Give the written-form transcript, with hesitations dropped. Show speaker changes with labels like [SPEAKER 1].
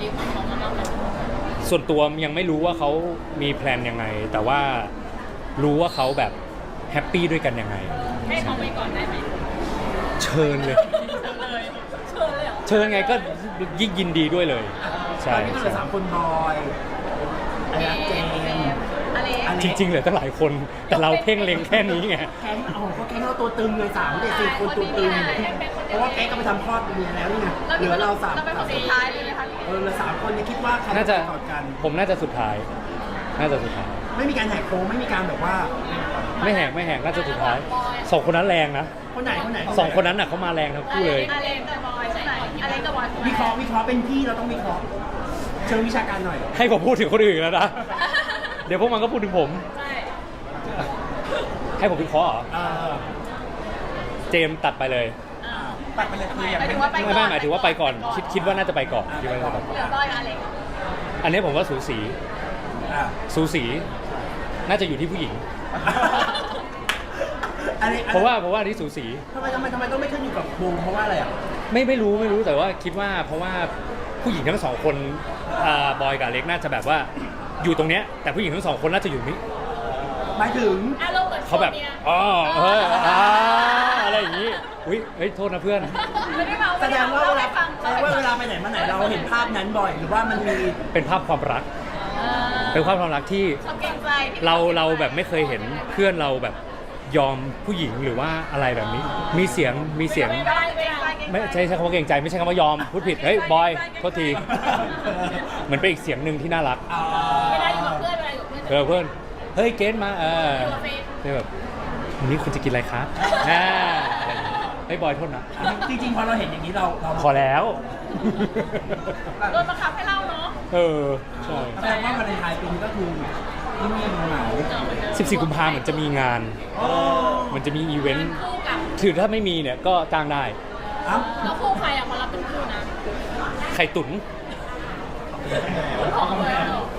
[SPEAKER 1] ดิวของเขามาบ้างไหม
[SPEAKER 2] ส่วนตัวยังไม่รู้ว่าเขามีแพลนยังไงแต่ว่ารู้ว่าเขาแบบแฮปปี้ด้วยกันยังไง
[SPEAKER 1] ให้เขาไปก่อนได้ไหม
[SPEAKER 2] เชิญเลย เชิญไงก็ยิ่งยินดีด้วยเลยใช่
[SPEAKER 3] ตอนนี้ก็เหลือ3 คนบอยอะไรนะเจม
[SPEAKER 2] จริงๆเหลือตั้งหลายคนแต่เราเพ่งเล็งแค่นี้ไง
[SPEAKER 3] แก๊งเขาแก๊งเราตัวตึงเลย3 เด็ก 4 คนตัวตึงเพราะว่าแก๊งก็ไปทำคลอดเมียแล้วนี่ไงเหลือเรา3
[SPEAKER 1] เราเป็นคนสุดท้ายเลยไหมคะ
[SPEAKER 3] เหลือ3 คนเนี่ยคิดว่าใคร
[SPEAKER 2] น่าจะ
[SPEAKER 3] ก่อนกัน
[SPEAKER 2] ผมน่าจะสุดท้าย
[SPEAKER 3] ไม่มีการแหกโค้งไม่มีการแบบว่า
[SPEAKER 2] ไม่แหกน่าจะสุดท้าย2 คนนั้นแรงนะ
[SPEAKER 3] คนไหน
[SPEAKER 2] 2 คนนั้นน่ะเขามาแรงทั้งคู่เลย
[SPEAKER 1] อเล็กกับบอยใช่ไหมอเล็กกับบอย
[SPEAKER 3] วิเคราะห์เป็นพี่เราต้องวิเคราะห์เชิงวิชาการหน่อย
[SPEAKER 2] ให้ผมพูดถึงคนอื่นแล้วนะ เดี๋ยวพวกมันก็พูดถึงผม
[SPEAKER 1] ใช่
[SPEAKER 2] ให้ผมวิเคราะห์เหรอเจมตัดไปเลย
[SPEAKER 3] ตัดไปเลยคืออย่างไม่
[SPEAKER 2] หมายถึงว่าไปก่อนคิดว่าน่าจะไปก่อนคิดว่าน่าจะไปก่อน
[SPEAKER 1] เหลือบอยกับอเล็ก
[SPEAKER 2] อันนี้ผมว่าสูสีน่าจะอยู่ที่ผู้หญิงเพราะว่าอันนี้สูสี
[SPEAKER 3] ทำไมต้องไม่ขึ้นอยู่กับวงเพราะว่าอะไรอ่ะ
[SPEAKER 2] ไม่รู้แต่ว่าคิดว่าเพราะว่าผู้หญิงทั้ง2 คนบอยกับเล็กน่าจะแบบว่าอยู่ตรงเนี้ยแต่ผู้หญิงทั้ง2 คนน่าจะอยู่นี้
[SPEAKER 3] หมายถึง
[SPEAKER 2] เขาแบบอะไรอย่างนี้อุ้ยโทษนะเพื่อน
[SPEAKER 3] แสดงว่าเวลาไปไหนมาไหนเราเห็นภาพนั้นบ่อยหรือว่ามันมี
[SPEAKER 2] เป็นภาพความรักเป็นภาพความรักที่เราแบบไม่เคยเห็นเพื่อนเราแบบยอมผู้หญิงหรือว่าอะไรแบบนี้มีเสียงไม่ใช่คำว่าเกรงใจไม่ใช่คำว่ายอมพูดผิดเฮ้ยบอยโทษทีเหมือนเป็นอีกเสียงหนึ่งที่น่ารักเพื่อนเฮ้ยเกณฑ์มาแบบวันนี้คุณจะกินอะไรครับเฮ้ยบอยโทษนะ
[SPEAKER 3] จริงๆพอเราเห็นอย่างนี้เรา
[SPEAKER 2] พอแล้ว
[SPEAKER 1] โดนบังคับให้เล่าเนาะ
[SPEAKER 2] ใช่
[SPEAKER 3] แสดงว่าวันไทยปีนี้ก็คือที่มีเหงา
[SPEAKER 2] 14 กุมภาพันธ์เหมือนจะมีงานมันจะมีอีเวนต์ถือถ้าไม่มีเนี่ยก็จ้างได้
[SPEAKER 1] แล้วคู่ใครอ่ะคนรับเป็นคู่นะ
[SPEAKER 2] ไข่ตุ๋น